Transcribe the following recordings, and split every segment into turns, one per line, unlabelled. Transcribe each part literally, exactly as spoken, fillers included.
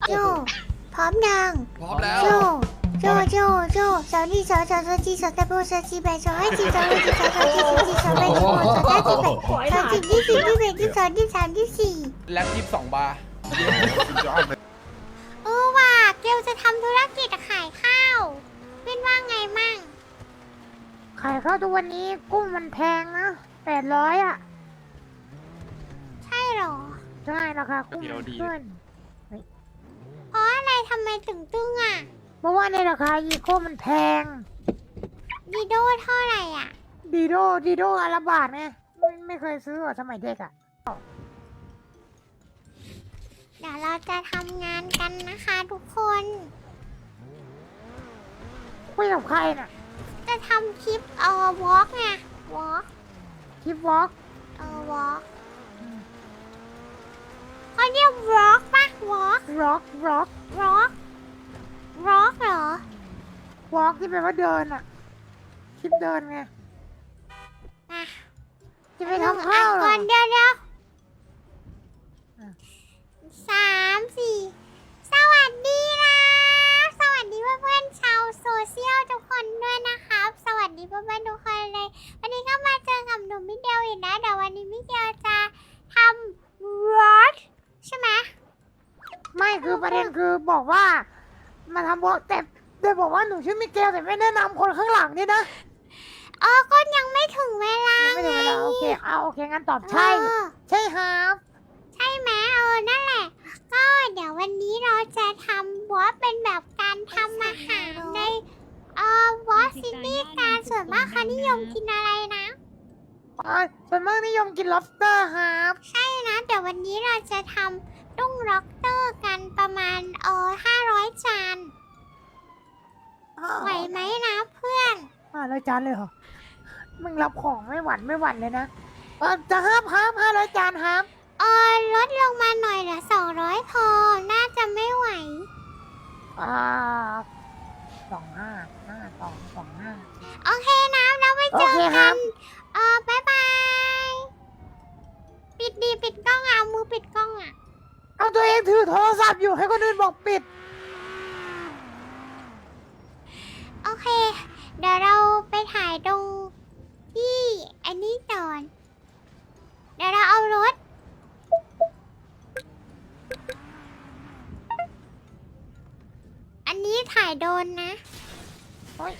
โจพร้อมยัง
พร้อมแล้ว
โจโจโจโจสาวนี่สาวสาวสาวจีสาวตะโบสาวจีแบสาวไอจีสาวไอจีสาวสาวจีสาวจีสาวแบสาวสาวจีแบสาวจีที่สี่ที่แปดที่สองที่สามที่สี่
แล็บยี่สิบสองบาร์
เออว่ะเกลจะทำธุรกิจขายข้าวเป็นว่าไงมั่ง
ขายข้าวทุกวันนี้กุ้งมันแพงนะแปดร้อยอ่ะ
ใช่หรอ
ใช่ราคากุ้งมันขึ้น
เพราะอะไรทำไมถึงตึงอ่ะ
เพราะว่าในราคาอีโคมันแพง
ดีโดเท่าไหร่อ่ะ
ดีโดดีโดอาราบาทไงไม่ไม่เคยซื้อหรอสมัยเด็กอ่ะ
เดี๋ยวเราจะทำงานกันนะคะทุกคน
คุยกับใครน่ะ
จะทำคลิปเอ่อวอล์กไงวอล์ก
คลิปวอล์ก
เอ่อวอล์กเขาเรียกวอล์กปะวอล์ก
ร็อกร็อก
วอล์กวอล์กเหรอ
วอล์กที่แปลว่าเดินอ่ะคลิปเดินไง
มา
จะไปทำข้าวเหร
ก่
อ
อนเดี๋ยวเดี๋ยว
อ่ะ
สามสี่สวัสดีนะ สวัสดีเพื่อนๆชาวโซเชียลทุกคนด้วยนะครับ สวัสดีเพื่อนๆทุกคนเลย วันนี้ก็มาเจอกับหนุ่มมิเดลอีกนะเดี๋ยววันนี้มิเดลจะทำวอล์กใช่ไหม
ไม่คือประเด็นคือบอกว่า มาทำวอล์กแต่แต่บอกว่าหนูชื่อมิเกลแต่ไม่แนะนำคนข้างหลังนี่นะ
เออก็ยังไม่ถึงเวลา
ไม่ถึงเวลาโอเคเอาโอเคงั้นตอบใช่
เออ
ใช่ครับ
ใช่ไหมเออ นั่นแหละ ก็เดี๋ยววันนี้เราจะทำวอสเป็นแบบการทำอาหารในเอ่อวอสซิตี้การส่วนมากเขานิยมกินอะไรนะ
อ๋อส่วนมากนิยมกิน lobster ครับ
ใช่นะเดี๋ยววันนี้เราจะทำตุ้งล็อกเตอร์กันประมาณเออห้าร้อยจานไหวไหมนะเพื่อน
ห้าร้อยจานเลยเหรอ มึงรับของไม่หวั่นไม่หวั่นเลยนะเออจะห้ามห้ามห้าร้อยจานห้าม
เออลดลงมาหน่อยเหลือสองร้อยพอ น่าจะไม่ไหว
อ่าสองห้าห้าสองสองห้า
โอเคนะแล้วไปเจอ
โอเคครั
กับ น เออบายบาย ปิดดีปิดกล้องอ่ะเอามือปิดกล้องอ่ะ
เอาตัวเองถือโทรศัพท์อยู่ให้คนอื่นบอกปิด
โอเค เดี๋ยวเราไปถ่ายตรงที่อันนี้ก่อน เดี๋ยวเราเอารถ อันนี้ถ่ายโดนนะ
โอ๊ย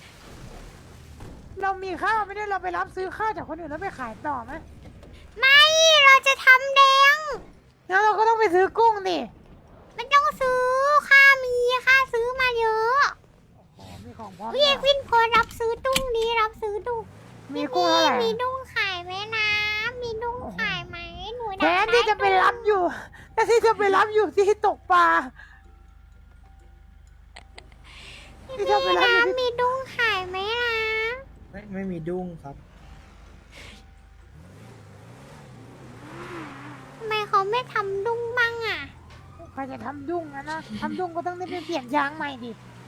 เรามีข้าวไม่ได้เราไปรับซื้อข้าวจากคนอื่นแล้วไปขายต่อไหม
ไม่ เราจะทำแดง
งั้นเราก็ต้องไปซื้อกุ้งดิ
มันต้องซื้อ ค่ามีค่าซื้อมาเยอะ
โอ้มีของพร้อม
พี่เอกวินโพสต์รับซื้อตุ้งนี้รับซื้อตุ้ง
มีกุ้งเท่าไหร่
มีตุ้งขายไหมนะ มีตุ้งขายไหมหนู
แทนที่จะไปรับอยู่แทนที่จะไปรับอยู่ที่ตกปลา ที่
พี่
จะไปรับอยู่
น้ำ
ที่
มีตุ้งขายไหมนะ
ไม่ไม่มีดุ้งครับ
ทำไมเขาไม่ทำดุ้งบ้างอ่ะ
ใครจะทำดุ้งนะนะทำดุ้งก็ต้องได้ไปเปลี่ยนยางใหม่ดิ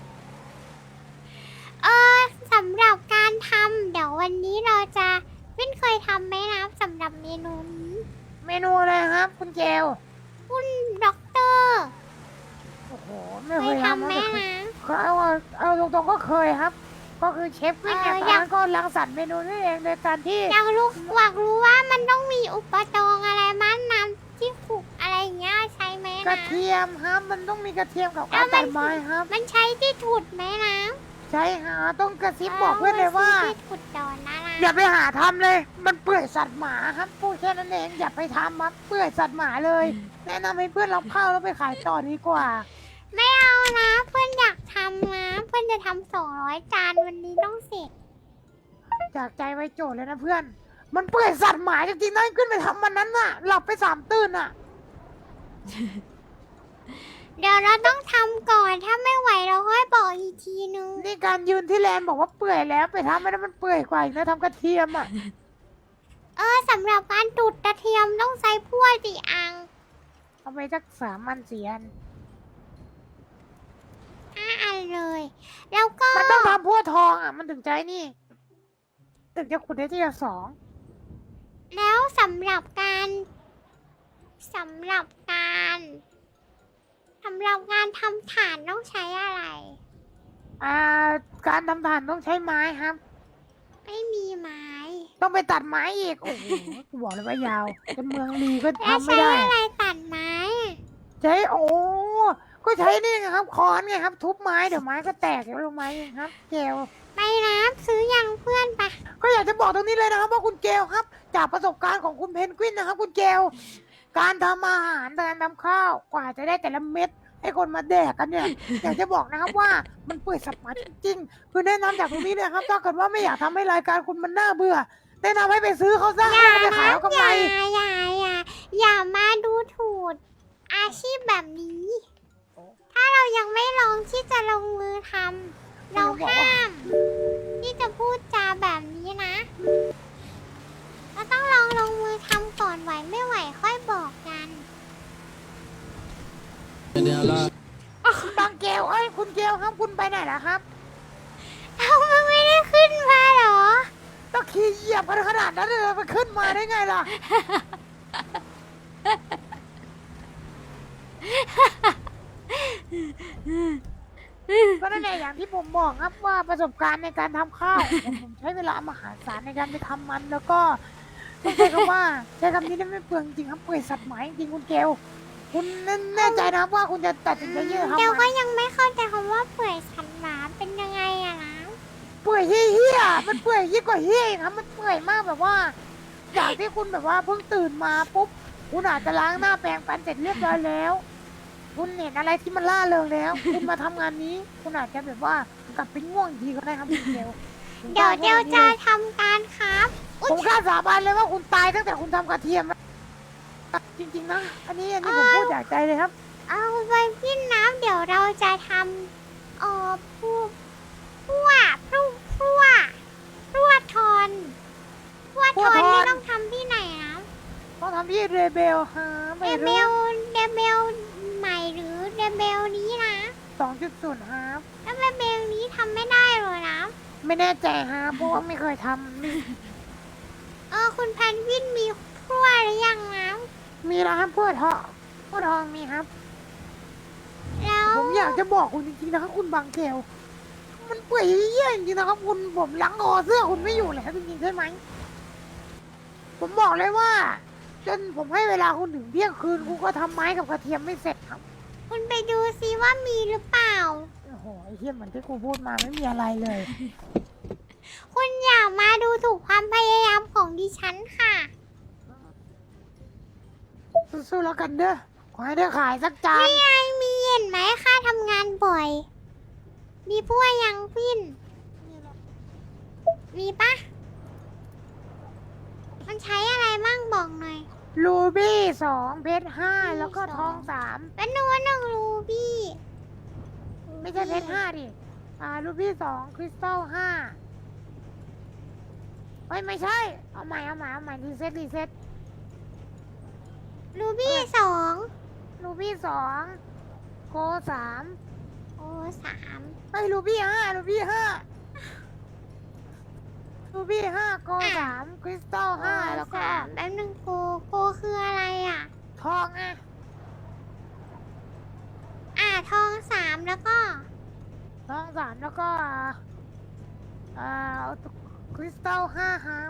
เออสำหรับการทำเดี๋ยววันนี้เราจะวินเคยทำไหมนะสำหรับเมนูนี้
เมนูอะไรครับ คุณเจล
คุณด็อกเตอร์
โอ้โห ไม่
เค
เค
ย
ย
ทำ
ทำ
ไหม
นะ
นะ
เอาเอาเอาตรงๆก็เคยครับ ก็คือเชฟวินเนี่ย
เออ
ตอน
อยาก
นั้นก็รังสรรค์เมนูนี่เองโดยการที่
อยากรู้อยากรู้ว่ามันต้องมีอุปกรณ์อะไรมั้งน้ำที่ขุกอะไรอย่างเงี้ยใช้ไหม
กระ
นะ
เทียมครับ มันต้องมีกระเทียมกับ
แล้
กาว ร
มั
ตั
น
ดไม้ครับ
มันใช้ที่ถุดไหมนะ
ใช่ฮะต้องกระซิบบอกเพื่อนเลยว่า
ที่ถุดดอนนะนะ
อย่าไปหาทำเลย มันเปื่อยสัตว์หมาครับพูดแค่นั้นเองอย่าไปทำครับเปื่อยสัตว์หมาเลย แนะนำให้เพื่อนรับข้าวแล้วไปขายต่อดีกว่า
ไม่เอานะเพื่อนอยากทำนะเพื่อนจะทำสองร้อยจานวันนี้ต้องเสร็จ
จากใจไว้โจทย์เลยนะเพื่อน มันเปื่อยสัตว์หมาจริงๆนะขึ้นไปทำมันนั้นน่ะ หลับไปสามตื่นน่ะ
เดี๋ยวเราต้องทำก่อนถ้าไม่ไหวเราค่อยบอกอีกทีนึง
นี่การยืนที่แลนด์บอกว่าเปื่อยแล้วไปทำไม่ได้มันเปื่อยกว่าอีกนะทำกระเทียมอ่ะ
เออสำหรับการตูดกระเทียมต้องใช้พวกสี่อัง
เอาไปสักสามมันสี่อัน
ห้าอันเลย แล้วก็
มันต้องทำพั่วทองอ่ะ มันถึงใจนี่ ถึงจะขุดได้ที่ละสอง
แล้วสำหรับการสำหรับการสำหรับการทำฐานต้องใช้อะไร
อ่า การทำฐานต้องใช้ไม้ครับ
ไม่มีไม้
ต้องไปตัดไม้อีก โอ้โหกูบอกเลยว่ายาวจนเมืองลีก็
แล้ว
ทำไม่
ใช้
ได้
อะไรตัดไม้อะ
ใช้ โอ้ ก็ใช้นี่ไงครับค้อนไงครับ ทุบไม้เดี๋ยวไม้ก็แตกเดี๋ยวลงไม้เองครับ เกล
ไปน้ำซื้อยังเพื่อนปะ
ก็อยากจะบอกตรงนี้เลยนะครับว่าคุณเกลครับ จากประสบการณ์ของคุณเพนกวินนะครับ คุณเกลการทำอาหารการทำข้าวกว่าจะได้แต่ละเม็ดให้คนมาแดกกันเนี่ย อยากจะบอกนะครับว่ามันเปื่อยสับหมาจริงๆคือแนะนำจากตรงนี้เลยครับถ้าเกิดว่าไม่อยากทำให้รายการคุณมันน่าเบื่อแนะนำให้ไปซื้อเขาซะ
อย่า
แล้วไป
นะ
ขายเอากำ
อ
ไร
ย่าอย่าอย่าอย่ามาดูถูกอาชีพแบบนี้ ถ้าเรายังไม่ลองที่จะลงมือทำเราห้าม ที่จะพูดจาแบบนี้นะเราต้องลองลงมือทำก่อนไหวไม่ไหวค่อยบอกกัน
บางเกลเอ้ยคุณเกลครับคุณไปไหนล่ะครับ
เอามันไม่ได้ขึ้นมาเหรอ
ต้องขี่เหยียบกันขนาดนั้นเลยมันขึ้นมาได้ไงล่ะ ก็นั่นแหละอย่างที่ผมบอกครับว่าประสบการณ์ในการทำข้าว ผมผมใช้เวลามหาศาลในการไปทำมันแล้วก็ต้องใช้คำว่าใช้คำนี้ได้ไม่เปลืองจริงครับเปื่อยสัตว์หมายจริงคุณเกลคุณแน่ใจนะครับว่าคุณจะตัดสินใจที่จะ
เดี๋ยว
ทำ
ก็
มัน
ยังไม่เข้าใจคำว่าเปื่อยสันหมาเป็นยังไงอะนะ
เปื่อยเฮี้ยๆมันเปื่อยยิ่งกว่าเฮี้ยอีกครับมันเปื่อยมากแบบว่าจากที่คุณแบบว่าเพิ่งตื่นมาปุ๊บคุณอาจจะล้างหน้าแปรงฟันเสร็จเรียบร้อยแล้ว คุณเห็นอะไรที่มันล่าเริงแล้ว คุณมาทำงานนี้ คุณอาจจะแบบว่ากลับไปง่วงอีกทีก็ได้ครับคุณเกล
เดี๋ยวเดี๋ยวจะทำการครับ
ผมกล้าสาบานเลยว่าคุณตายตั้งแต่คุณทำกระเทียมแล้วจริงๆนะ อันนี้อันนี้ผมพูดจากใจเลยครับ
เอาไปพี่น้ำเดี๋ยวเราจะทำเอ่อผู้ผู้ผู้ผู้ผู้ทอนผู้ทอน
พลั่วทอน
นี่ต้องทำที่ไหนนะ
ต้องทำที่เรเบลฮะ
เด
ไม่
เบ
รู้
ลเดเบลใหม่หรือเดเบลนี้นะ
สองจุดศูนย์ฮะ
แล้วเดเบลนี้ทำไม่ได้เลยนะ
ไม่แน่ใจฮะเพราะว่าไม่เคยทำนี่
เออคุณแพนกวินมีผู้หรือยังนะ
มีแล้วครับพวกทองพวกทองมีครับ
แล้ว
ผมอยากจะบอกคุณจริงๆนะครับคุณบางเกลมันเปื่อยเยี่ยจริงๆนะครับคุณผมล้างคอเสื้อคุณไม่อยู่แล้วจริงๆใช่ไหมผมบอกเลยว่า จนผมให้เวลาคุณถึงเที่ยงคืนคุณก็ทำไม้กับกระเทียมไม่เสร็จครับ
คุณไปดูซิว่ามีหรือเปล่า
โอ้โหไอ้เทียเหมือนที่กูพูดมาไม่มีอะไรเลย
คุณอย่ามาดูถูกความพยายามของดิฉันค่ะ
สู้ๆแล้วกันเด้อขอให้ได้ขายสักจาน
นี่ไงมีเห็นไหมค่าทำงานบ่อย มีพวกยังพินมีปะมันใช้อะไรมั่งบอกหน่อย
รูบี้สองเพชรห้าแล้วก็ทองสาม
เป็นหนูหนึ่งรูบี้
ไม่ใช่เพชรห้าดิอ่ารูบี้สองคริสตัลห้าเฮ้ยไม่ใช่ เอาใหม่เอาใหม่เอาใหม่รีเซ็ตรีเซ็ต
รูบี้สอง
รูบี้สองโกสาม
โอ้สาม
ไอ้ยรูบี้ห้ารูบี้ห้ารูบี้ห้าโกสามคริสตัลห้าแล้วก็
สามแป๊บนึงโกโกคืออะไรอ่ะ
ทองไง
อ่าทองสามแล้วก็
ทองสามแล้วก็อ่าคริสตัลห้าครับ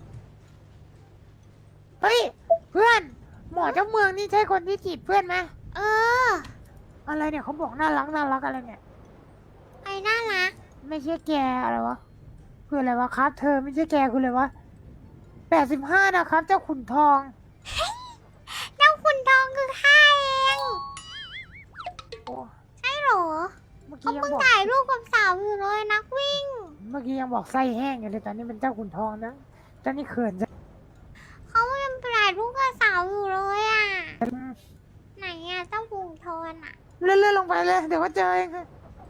เฮ้ยเพื่อน หมอเจ้าเมืองนี่ใช่คนที่จีบเพื่อนไหม
เออ
อะไรเนี่ยเขาบอกน่ารักน่ารักอะไรเนี่ย
ไอ้น่ารัก
ไม่ใช่แกอะไรวะคืออะไรวะครับ เธอไม่ใช่แกคืออะไรวะแปดสิบห้านะครับ เจ้าขุนทอง
เจ้าคุณทองคือข้าเอง
โอ้
ใช่เหรอ
เมื่อ
เขา
กี้ยัง
เพิ่ง
บอก
ถ่ายรูปกับสาวอยู่เลยนักวิ่ง
เมื่อกี้ยังบอกไส้แห้งอยู่เลยตอนนี้เป็นเจ้าขุนทองนะตอนนี้เขินจะ
เขายังถ่ายรูปกับสาวอยู่เลยอ่ะ
อืม
ไหนอ่ะเจ้าคุณทอนอ่ะ
เลื่อนๆลงไปเลย เดี๋ยวก็เจอเองค่ะ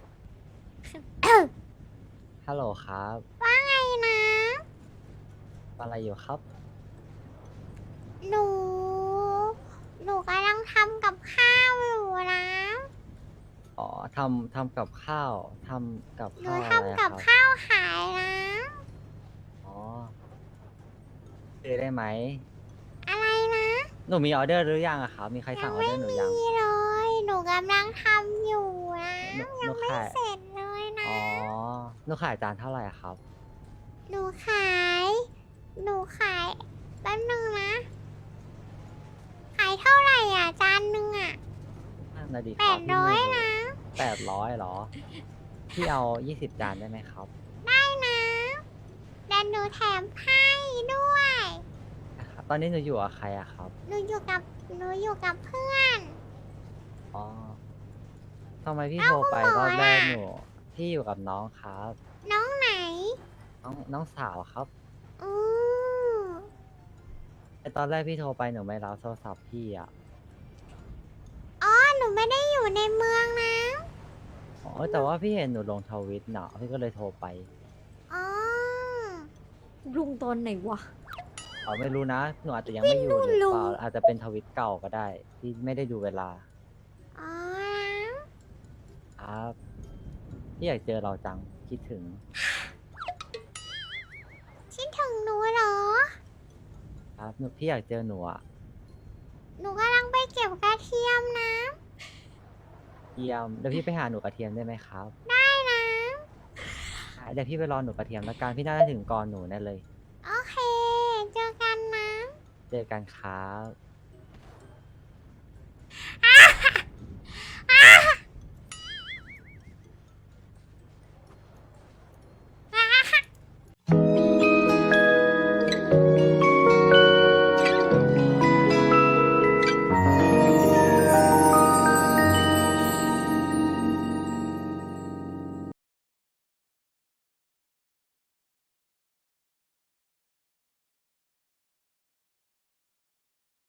ฮัลโหลครับ
ว่าไงนะ
อะไรอยู่ครับ
หนู หนูกำลังทำกับข้าวอยู่นะ
อ๋อทำทำกับข้าวทำกับ
หนู
ข้าวอะไร
ทำ
อะ
กับ
ครับ
ข้าวขายนะ
อ๋อซื้อได้ไหม
อะไรนะ
หนูมีออเดอร์หรือยังอะครับ มีใครสั่งออ
ไม่
เดอร์หนูยัง
มีเลย หนูกกำลังทำอยู่นะ
หนูห
ยั
นู
งไม่
ขาย
เสร็จเลยนะ
อ๋อหนูขายจานเท่าไหร่ครับ
หนูขาย หนูขายแป๊บนึงนะ ขายเท่าไหร่อ่ะ จานหนึ่งอ่ะ
นั่นนะดีค
แป
รับ
ด
พี่
ร้อ
ไม่
ย
รู้
นะ
แปดร้อยเหรอ พี่เอายี่สิบจานได้ไหมครับ
ได้นะแต่หนูแถมให้ด้วย
นะครับตอนนี้หนูอยู่กับใครอะครับ
หนูอยู่กับ หนูอยู่กับเพื่อน
อ๋อทำไมพี่
เอ้า
โทรไป
คุณหม
ร
อ
อบแรก
ล่ะ
หนูพี่อยู่กับน้องครับ
น้องไหน
น้องน้องสาวครับ
อือ
ไอตอนแรกพี่โทรไปหนูไม่รับโทรศัพท์พี่อะ
อ๋อ หนูไม่ได้อยู่ในเมืองนะ
อ๋อแต่ว่าพี่เห็นหนูลงทวิตเนาะพี่ก็เลยโทรไป
อ๋อ
ลุงตอนไหนวะ
อ๋อไม่รู้นะ หนูอาจจะยังไม่อยู่หรือเปล่าอาจจะเป็นทวิตเก่าก็ได้ที่ไม่ได้ดูเวลา
อ๋อ
ครับพี่อยากเจอเราจังคิดถึง
คิดถึงหนูเหรอ
ครับหนูพี่อยากเจอหนูอะ
หนูกำลังไปเก็บกระเทียมนะ
เยี่ยมเดี๋ยวพี่ไปหาหนูกระเทียมได้ไหมครับ
ได้นะ
อ่ะเดี๋ยวพี่ไปรอหนูกระเทียมแล้วกันพี่น่าจะถึงก่อนหนูแน่เลย
โอเค เจอกันนะ
เจอกันครับ